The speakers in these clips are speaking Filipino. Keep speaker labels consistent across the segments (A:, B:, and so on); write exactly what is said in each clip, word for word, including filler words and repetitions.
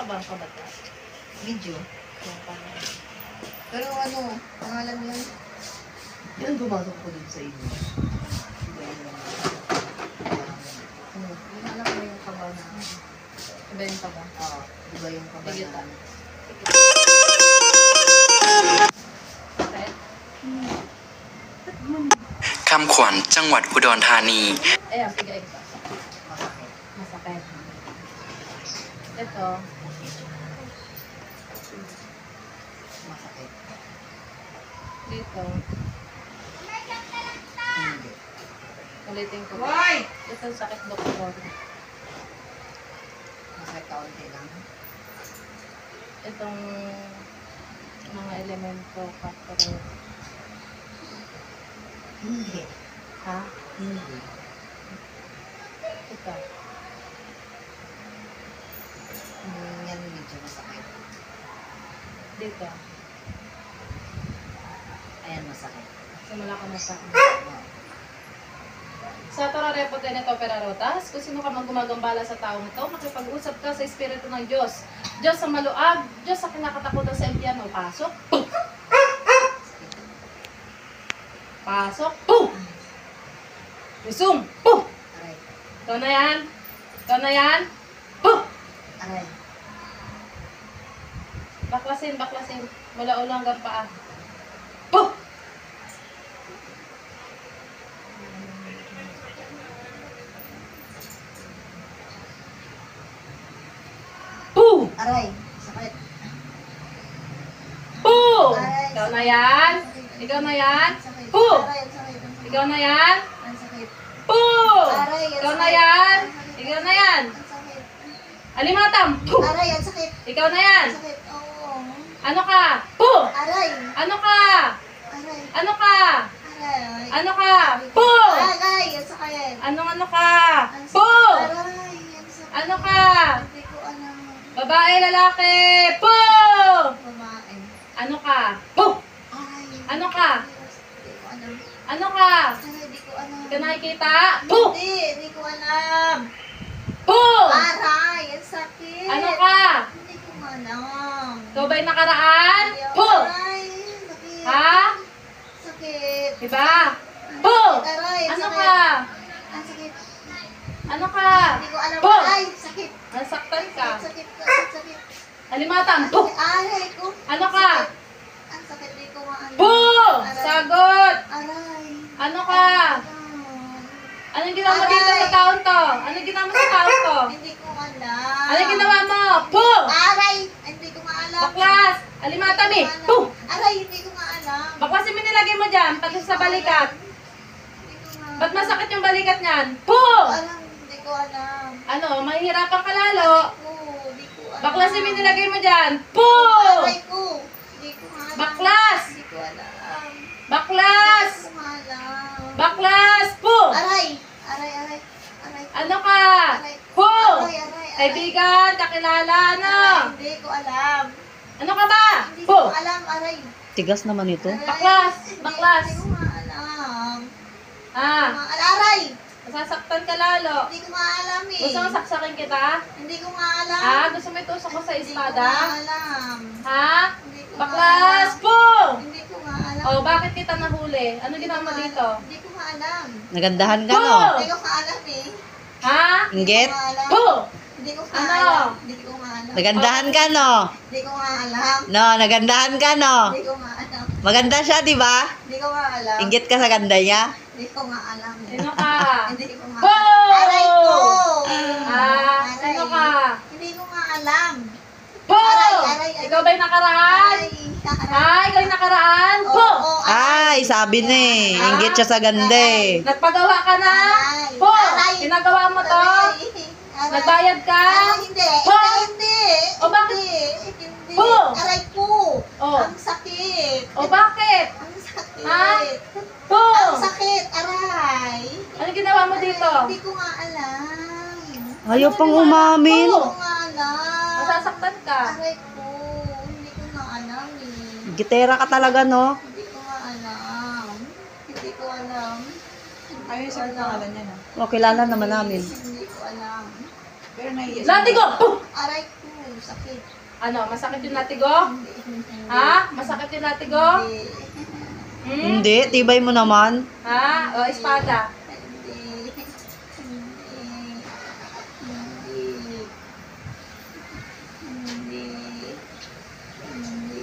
A: ka bang kabatas?
B: Video.
A: Yan pala.
B: Pero ano, pangalan mo yan? Yan gumasok ko dun sa inyo.
A: Hmm. Yung alam mo yung kaba na. Iba yung kaba.
B: Oo, diba yung kaba
A: Sige,
B: na?
A: Okay.
C: คำขวัญจังหวัดอุดรธานี
A: Ayan, sige, ito.
B: Masakit.
A: Masakit. Ito.
B: Masakit.
A: Dito.
B: Hindi.
A: Ulitin ko.
B: Why?
A: Ito sakit, doktor.
B: Masakit kaunti lang.
A: Itong mga elemento, factor.
B: Hindi.
A: Ha?
B: Hindi.
A: Ito.
B: Hmm, yan medyo masakit.
A: Dito.
B: Ayan, masakit.
A: Simula ka na sa akin.
B: Oo.
A: Sa Torarepo Tenito Perarotas, kung sino ka mang gumagambala sa taong ito, makipag-usap ka sa Espiritu ng Diyos. Diyos sa maluag, Diyos sa kinakatakutan sa impyerno. Pasok. Puh! Pasok. Puh! Resume. Puh!
B: Aray.
A: Ikaw na yan. Ikaw na yan. Puh!
B: Aray.
A: Baklasin, baklasin. Mula ulo hanggang paa. Puh! Puh!
B: Aray. Sakit.
A: Puh!
B: Aray.
A: Ikaw na yan. Ikaw na yan.
B: Sakit.
A: Puh!
B: Aray, ang sakit. Ang sakit.
A: Ikaw na yan.
B: Ang sakit.
A: Puh!
B: Aray, ang
A: Ikaw na
B: sakit.
A: yan.
B: Ang sakit.
A: Ikaw na yan.
B: Ang sakit.
A: Alimatam. Puh!
B: Aray, ang sakit.
A: Ikaw na yan.
B: Ang sakit. Oo.
A: Ano ka? Puh!
B: Aray.
A: Ano ka?
B: Aray.
A: Ano ka?
B: Aray.
A: Ano ka? Puh!
B: Aray, ang sakit.
A: Anong ano ka?
B: Ang sakit.
A: Puh!
B: Aray, ang sakit.
A: Ano ka?
B: Hindi ko alam.
A: Babae, lalaki. Puh!
B: Babae.
A: Ano ka? Puh!
B: Aray.
A: Ano ka?
B: Hindi ko alam.
A: Ano ka?
B: Aray, hindi ko alam.
A: Hindi ka nakikita? Puh!
B: Hindi, hindi ko alam.
A: Puh!
B: Aray, ang sakit.
A: Ano ka?
B: Hindi ko alam.
A: Ikaw ba'y nakaraan?
B: Hindi ako-
A: Puh!
B: Aray, sakit.
A: Ha?
B: Sakit.
A: Diba? Puh!
B: Aray, ang
A: Ano
B: sakit.
A: ka?
B: Ang sakit.
A: Ano ka?
B: Hindi ko alam.
A: Puh!
B: Aray, sakit.
A: Nasaktan ka.
B: Sakit, sakit, sakit.
A: Alimatam. Puh!
B: Aray ko.
A: Ano ka?
B: Ang sakit, hindi ko maalam.
A: Puh!
B: Aray.
A: Sagot!
B: Aray.
A: Ano ka? Anong ginawa mo dito sa taon to? Anong ginawa mo sa taon to?
B: Hindi ko alam.
A: Anong ginawa mo? Puh!
B: Aray, hindi ko maalam.
A: Baklas! Alimatam eh!
B: Hindi ko
A: Puh!
B: maalam. Aray, hindi ko maalam.
A: Baklas yung nilagay mo dyan, pati sa balikat.
B: Hindi ko maalam.
A: Ba't masakit yung balikat niyan? Puh!
B: Alam, hindi ko alam.
A: Ano, mahihirapan ka lalo.
B: Ko, hindi ko alam.
A: Baklas yung nilagay mo dyan. Puh!
B: Aray ko, hindi ko maalam.
A: Baklas!
B: Hindi ko alam.
A: Baklas!
B: Hindi ko maalam.
A: Baklas! Puh!
B: Aray! Aray, aray. Aray.
A: Ano ka?
B: Aray.
A: Puh!
B: Aray, aray, aray.
A: Kaibigan, kakilala, ano?
B: Aray, hindi ko alam.
A: Ano ka ba?
B: Hindi
A: Puh!
B: ko alam, aray.
D: Tigas naman ito.
B: Aray.
A: Baklas,
B: Hindi-
A: baklas.
B: Hindi ko maalam.
A: Ah,
B: Ma- Aray!
A: masasaktan ka lalo.
B: Hindi ko maalam eh.
A: Gusto mo saksakin kita?
B: Hindi ko maalam.
A: Ha? Gusto mo itusok ko sa espada?
B: Hindi ko maalam.
A: Ha?
B: Hindi ko
A: Baklas!
B: maalam.
A: Puh!
B: Hindi ko maalam.
A: Oh, bakit kita nahuli? Ano
B: Hindi
A: ginawa
B: ko
A: mo
B: maalam.
A: dito?
B: Hindi ko maalam.
D: Nagandahan ka, no?
A: Puh!
B: Hindi ko maalam eh.
A: Ha?
D: Inggit?
B: Hindi ko maalam.
A: Puh!
B: Hindi ko
A: Ano?
B: maalam. Hindi ko maalam.
D: Nagandahan ka, no?
B: Hindi ko maalam.
D: No, nagandahan ka, no?
B: Hindi ko maalam.
D: Maganda siya, di ba?
B: Hindi ko maalam.
D: Inggit ka sa ganda niya.
B: Hindi ko maalam.
A: Sino ka?
B: Hindi ko maalam.
A: Puh!
B: Aray ko!
A: Ah,
B: Aray.
A: sino ka?
B: Hindi ko maalam.
A: Puh!
B: Aray, aray, aray.
A: Ikaw ba'y nakaraan?
B: Aray.
A: Ha? Ikaw yung nakaraan?
B: Oo,
A: Puh!
B: oo, aray.
D: Ay, sabi na eh. Inggit siya sa ganda eh.
A: Nagpagawa ka na?
B: Aray.
A: Puh!
B: Aray.
A: Ginagawa mo to?
B: Aray. Aray.
A: Nagbayad ka?
B: Aray, hindi.
A: Puh!
B: Hindi, hindi.
A: O, bakit?
B: Hindi. Hindi.
A: Puh!
B: Aray ko.
A: Oh.
B: Ang sakit.
A: O bakit?
B: Ang sakit.
A: Ha? Puh!
B: Ang sakit. Aray.
A: Ano ginawa mo dito?
B: Hindi ko nga alam.
D: Ayaw pang umamin.
B: Hindi ko nga alam.
A: Masasaktan ka.
B: Aray ko. Hindi ko nga alam eh.
D: Gitera ka talaga, no?
B: Hindi ko nga alam. Hindi ko alam.
E: Ayun sa pangalan niya na.
D: O, kilala naman namin.
B: Hindi ko alam.
E: Pero naiiyak.
A: Lati ko! Puh!
B: Aray ko.
F: sakit.
A: Ano, masakit yung latigo?
F: Hindi, hindi.
A: Ha? Masakit yung latigo?
F: Hindi.
A: Hmm?
D: Hindi, tibay mo naman.
A: Ha? O, espada.
F: Hindi. Hindi. Hindi. Hindi. Hindi.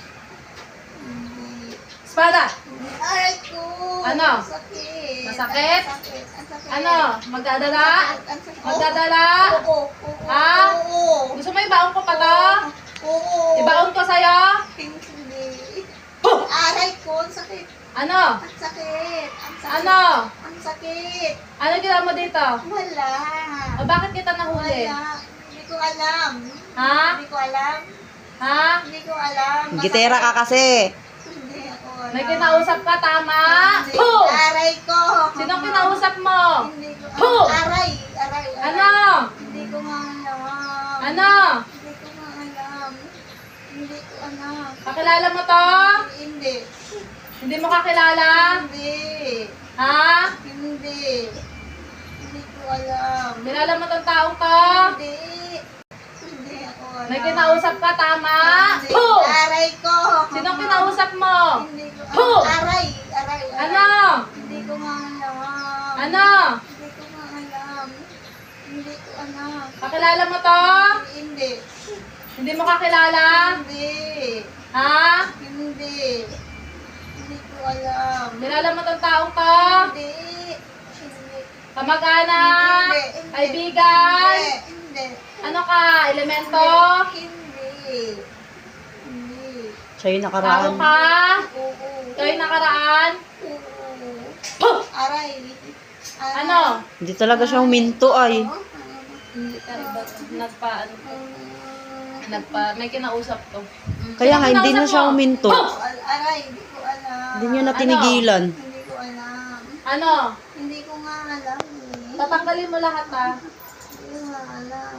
F: Hindi.
A: Espada.
F: Aray ko!
A: Ano?
F: Sakit.
A: Masakit?
F: Ang sakit. Ang sakit.
A: Ano? Magdadala?
F: Ang sakit.
A: Magdadala?
F: Oo. Oo.
A: Ha?
F: Oo.
A: Gusto mo ibaon ko pa to?
F: Oo.
A: Ibaon ko sa'yo?
F: Hindi. Aray ko. Ang sakit.
A: Ano?
F: Ang sakit. Ang sakit.
A: Ano?
F: Ang sakit.
A: Ano ginawa mo dito?
F: Wala.
A: O, bakit kita nahuli?
F: Wala. Hindi ko alam.
A: Ha?
F: Hindi ko alam.
A: Ha?
F: Hindi ko alam.
D: Gitera ka kasi.
F: Hindi ako alam.
A: May kinausap ka, tama?
F: Hindi.
A: Puh!
F: Aray ko.
A: Sino kinausap mo?
F: Hindi ko
A: Puh!
F: Aray. Aray. aray.
A: Ano?
F: Hindi ko nga alam.
A: Ano?
F: Hindi ko nga alam. Hindi ko alam.
A: Kakilala mo to?
F: Hindi.
A: Hindi mo kakilala?
F: Hindi.
A: Ha?
F: Hindi. Hindi ko alam.
A: Kilala mo tong taong to?
F: Hindi. Hindi ako alam.
A: May kinausap ka, tama?
F: Hindi.
A: Puh!
F: Aray ko.
A: Sino kinausap mo?
F: Hindi ko
A: Puh!
F: Aray. Aray. aray.
A: Ano?
F: Hindi ko nga alam.
A: Ano?
F: Hindi ko nga alam. Hindi ko alam.
A: Kakilala mo to?
F: Hindi.
A: Hindi mo kakilala?
F: Hindi.
A: Ha?
F: Hindi. Hindi ko alam.
A: Kilala mo tong taong to?
F: Hindi. Hindi.
A: Kamag-anak?
F: Hindi. Hindi.
A: Kaibigan?
F: Hindi.
A: Ano ka? Elemento?
F: Hindi. Hindi.
D: Siya yung
A: Tao
D: nakaraan.
A: ka?
F: Oo.
A: Ikaw yung nakaraan?
F: Oo.
A: Puh!
F: Aray. Aray.
A: Ano?
D: Hindi talaga siya huminto ay.
A: Hindi ka nagpa, ano to?
F: Um,
A: Nagpa, may kinausap to.
D: Kaya nga,
A: Sino
D: hindi na
A: kinausap
D: siya
A: mo?
D: huminto.
F: Aray, hindi ko alam.
D: Hindi niya na tinigilan.
F: Hindi ko alam.
A: Ano?
F: Hindi ko nga alam. eh.
A: Tatanggalin mo lahat ha.
F: Hindi ko nga alam.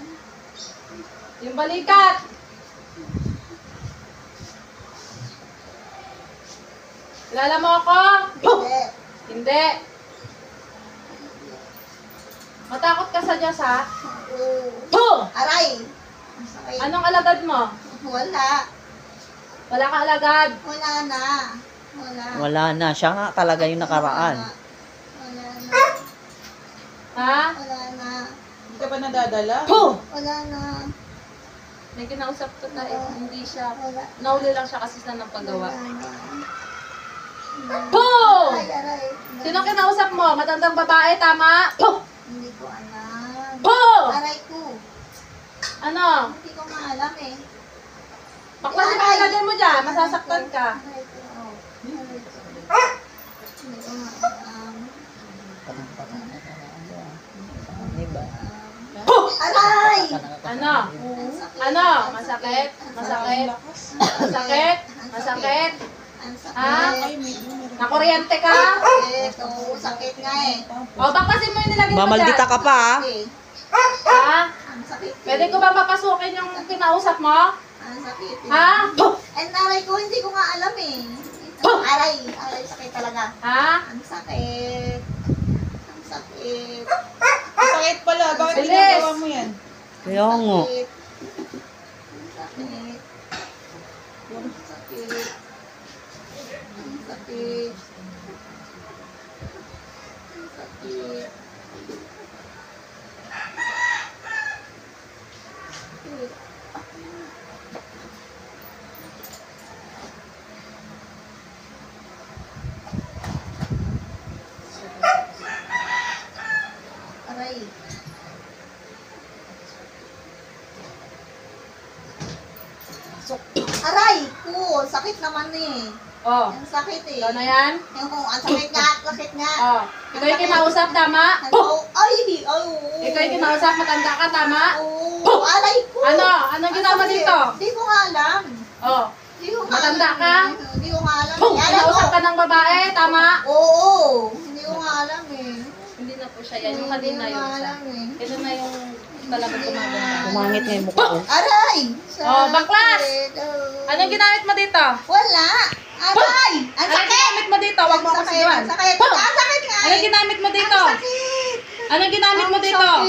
A: Yung balikat. Kilala mo ako?
F: Hindi.
A: Hindi. Matakot ka sa Diyos ha?
F: Oo.
A: Puh!
F: Aray. Ang sakit.
A: Anong alagad mo?
F: Wala.
A: Wala ka alagad.
F: Wala na. Wala.
D: Wala na. Siya nga talaga yung nakaraan.
F: Wala na.
A: Ha?
F: Wala na.
E: Hindi ka ba nadadala?
A: Puh!
F: Wala na.
A: May kinausap to tayo. Hindi siya.
F: Wala.
A: Nauli lang siya kasi sa napagawa.
F: Wala na.
A: Puh!
F: Ay, aray.
A: Sino kinausap mo? Matandang babae, tama? Puh!
F: Hindi ko alam.
A: Puh!
F: Aray ko.
A: Ano?
F: Hindi ko nga alam eh.
A: Paklasin ka agad mo dyan. Masasaktan ka.
F: Aray ko. Oh. Aray ko. Hindi ko nga alam.
A: Puh!
F: Aray!
A: Ano?
F: Ang sakit.
A: Ano? Masakit? Masakit? Masakit? Masakit?
F: Ang sakit.
A: Ha? Nakuryente ka?
F: Ito, sakit nga eh.
A: O, baklasin mo yung nilagay mo
D: Mamaldita
A: dyan.
D: ka pa ah.
F: Eh,
A: Ha?
F: Ang sakit.
A: Pwede ko ba papasukin yung kinausap mo?
F: Ang sakit. eh.
A: Ha? Puh!
F: Ay, naray ko, hindi ko nga alam eh. Aray, aray, sakit talaga.
A: Ha?
F: Ang sakit. Ang sakit.
E: Sakit pala. Bakit
A: Bilis.
E: ginagawa mo yan?
D: Kaya nga.
F: Sakit. Ang sakit. Ang sakit. Ang sakit. Ang sakit. Aray. Aray ko, sakit naman eh.
A: O,
F: Ang sakit eh.
A: ikaw na yan?
F: Yung, ang sakit nga, sakit nga.
A: O, ikaw yung kinausap, tama?
F: Ano? Ay, ay, oo.
A: Ikaw yung kinausap, matanda ka, tama?
F: Oo, aray ko.
A: Ano? Anong ginawa
F: Ang sakit.
A: dito?
F: Hindi ko nga alam.
A: O,
F: Hindi ko nga
A: Matanda
F: alam.
A: ka?
F: Hindi ko nga alam.
A: Puh!
F: Aray
A: Kinausap
F: ko.
A: ka ng babae, tama?
F: Oo, hindi ko nga alam eh.
A: Hindi na po siya yan. Yung kanina
F: Hindi ko
A: yun
F: nga
A: siya.
F: alam eh.
A: Ito na yung talagang gumaganda.
D: Umangit nga yung mukha ko.
F: Aray!
A: Oh, baklas!
F: Sakit. Oh.
A: Anong ginamit mo dito?
F: Wala! Aray! Ang
A: Anong
F: sakit!
A: ginamit mo dito? Huwag mo
F: Ang
A: ako
F: sakit!
A: sigawan.
F: Ang sakit!
A: Puh!
F: Ang sakit nga
A: Anong
F: eh!
A: ginamit mo dito?
F: Ang sakit!
A: Anong ginamit mo
F: Ang
A: dito?
F: sakit!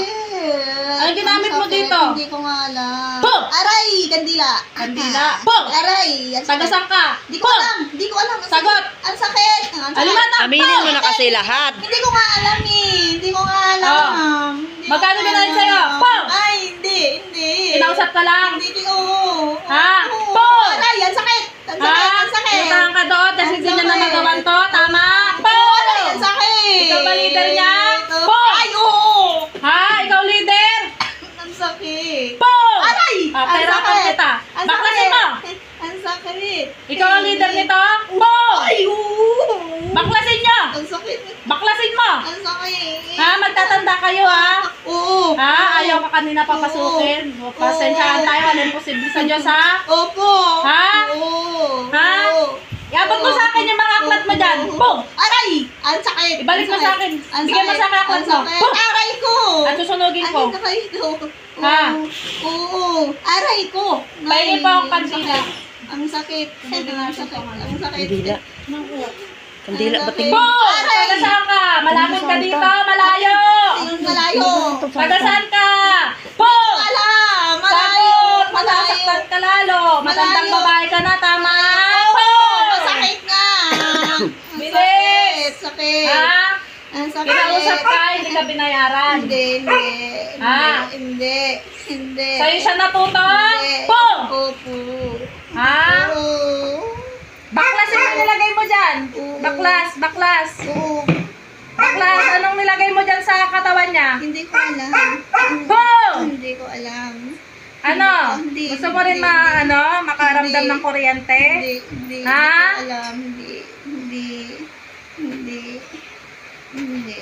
F: sakit.
A: Anong ginamit
F: Ang
A: mo
F: sakit.
A: dito?
F: Hindi ko nga alam.
A: Po!
F: Aray! Kandila.
A: Kandila. Po!
F: Aray! Ang sakit.
A: Tagasang ka?
F: Hindi ko
A: Po!
F: alam. Hindi ko alam. Ang
A: Sagot!
F: sakit. Ang sakit. Ang sakit.
A: Alimata!
D: Aminin mo na kasi lahat.
F: Hindi ko nga alam eh. Hindi ko nga alam.
A: Oh.
F: Hindi ko
A: Magkano
F: nga
A: binayad
F: alam.
A: sa'yo? Po!
F: Ay, hindi. Hindi.
A: Kinausap ka lang?
F: Hindi ko. Oo.
A: Ha?
F: Oo.
A: Po!
F: Aray! Ang sakit. Ang sakit.
A: Ha?
F: Ang sakit.
A: Pinuntahan ka doon kasi
F: Ang
A: hindi niya na
F: sakit.
A: magawan to. Tama? Po!
F: Aray! Ang sakit.
A: Ikaw ba leader niya? Po!
F: Ay, oo.
A: Ha? Ikaw leader?
F: Ang sakit.
A: Po!
F: Aray!
A: Ah,
F: Ang
A: pera
F: sakit.
A: kita.
F: Ang
A: Baklasin
F: sakit.
A: mo!
F: Ang sakit.
A: Ikaw ang leader nito? Po!
F: Ay, oo.
A: Baklasin niyo!
F: Ang sakit.
A: Baklasin mo!
F: Ang sakit.
A: Ha? Magtatanda kayo ha?
F: Oo.
A: Ha? Ayaw ka kanina papasukin. Pasensyahan tayo. Walang posible sa Diyos ha?
F: Opo.
A: Ha?
F: Oo.
A: Ha?
F: Oo.
A: Iabot mo sa akin yung mga aklat mo dyan. Pong!
F: Aray! Ang sakit.
A: Ibalik mo
F: Ang
A: sa
F: sakit.
A: akin.
F: Ang
A: Bigyan mo
F: sakit.
A: sa akin aklat
F: Ang
A: mo.
F: sakit.
A: Pong!
F: Aray ko.
A: At susunugin ko.
F: Aray na kayo ito.
A: Ha?
F: Oo. Aray ko.
A: Pahingin po ang
F: Ang
A: kandila.
F: sakit. Ang sakit. Ang sakit. Ang sakit.
D: Kandila. Kandila,
F: Ang
D: ba't
F: sakit.
A: Po!
F: Aray!
A: Taga saan ka? Malapit ka dito. Malayo.
F: Ayun, malayo.
A: Taga saan ka? Po!
F: Alam. Malayo.
A: Sagot!
F: Malayo.
A: Masasaktan ka lalo. Matandang
F: Malayo.
A: babae ka na. Tama? Po!
F: Masakit nga.
A: Bilis.
F: Sakit. Sakit.
A: Ha?
F: Ang sakit.
A: Kinausap ka, hindi ka binayaran.
F: Hindi, hindi.
A: Ah.
F: Hindi. Hindi.
A: Sa'yo siya natuto?
F: Hindi.
A: Po!
F: Opo.
A: Ha?
F: Oo.
A: Baklas yung nilagay mo dyan.
F: Oo.
A: Baklas, baklas.
F: Oo.
A: Baklas, anong nilagay mo dyan sa katawan niya?
F: Hindi ko alam.
A: Po!
F: Hindi ko alam.
A: Ano?
F: Hindi,
A: Gusto mo rin
F: hindi,
A: ma,
F: hindi.
A: ano, makaramdam
F: Hindi.
A: ng kuryente?
F: Hindi, hindi.
A: Ha?
F: Hindi ko alam. Hindi. Hindi. Hindi. Hindi.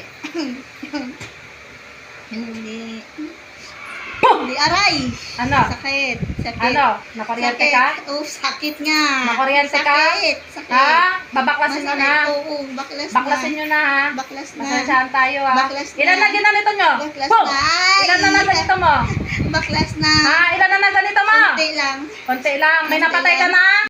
F: Hindi. Hindi. Aray!
A: Ano?
F: Sakit. Sakit.
A: Ano? Nakuryente ka?
F: Sakit. Oh, sakit nga.
A: Nakuryente ka?
F: Sakit. Sakit.
A: Ha? Babaklasin mo na.
F: Masakit. Oo, baklas na.
A: Baklasin nyo na ha.
F: Baklas na.
A: Masensyahan tayo ha.
F: Baklas na.
A: Ilan na ginanito nyo?
F: Baklas
A: Po!
F: na. Ay!
A: Ilan na na ganito mo?
F: Baklas na.
A: Ha? Ilan na na ganito mo?
F: Konti lang.
A: Konti lang. May
F: Konti
A: napatay ka
F: lang.
A: na?